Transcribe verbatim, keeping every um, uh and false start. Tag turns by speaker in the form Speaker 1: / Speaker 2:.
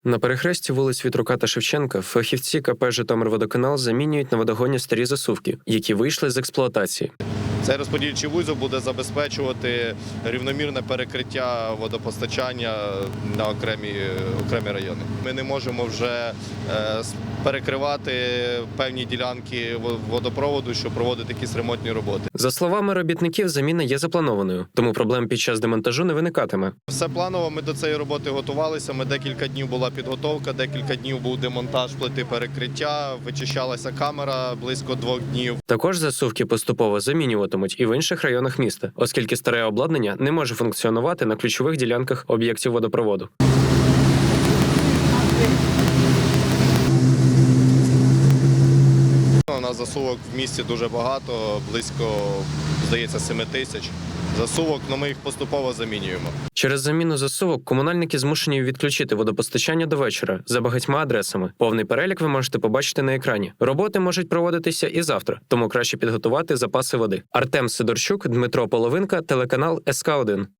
Speaker 1: На перехресті вулиць Вітрука та Шевченка фахівці ка пе «Житомирводоканал» замінюють на водогоні старі засувки, які вийшли з експлуатації.
Speaker 2: Цей розподільчий вузол буде забезпечувати рівномірне перекриття водопостачання на окремі, окремі райони. Ми не можемо вже е, перекривати певні ділянки водопроводу, щоб проводити якісь ремонтні роботи.
Speaker 1: За словами робітників, заміна є запланованою, тому проблем під час демонтажу не виникатиме.
Speaker 2: Все планово, ми до цієї роботи готувалися, ми декілька днів була підготовка, декілька днів був демонтаж плити перекриття, вичищалася камера близько двох днів.
Speaker 1: Також засувки поступово замінюватимуть і в інших районах міста, оскільки старе обладнання не може функціонувати на ключових ділянках об'єктів водопроводу.
Speaker 2: У нас засувок в місті дуже багато, близько, здається, семи тисяч. Засувок, але ми їх поступово замінюємо.
Speaker 1: Через заміну засувок комунальники змушені відключити водопостачання до вечора за багатьма адресами. Повний перелік ви можете побачити на екрані. Роботи можуть проводитися і завтра, тому краще підготувати запаси води. Артем Сидорчук, Дмитро Половинка, телеканал ес ка один.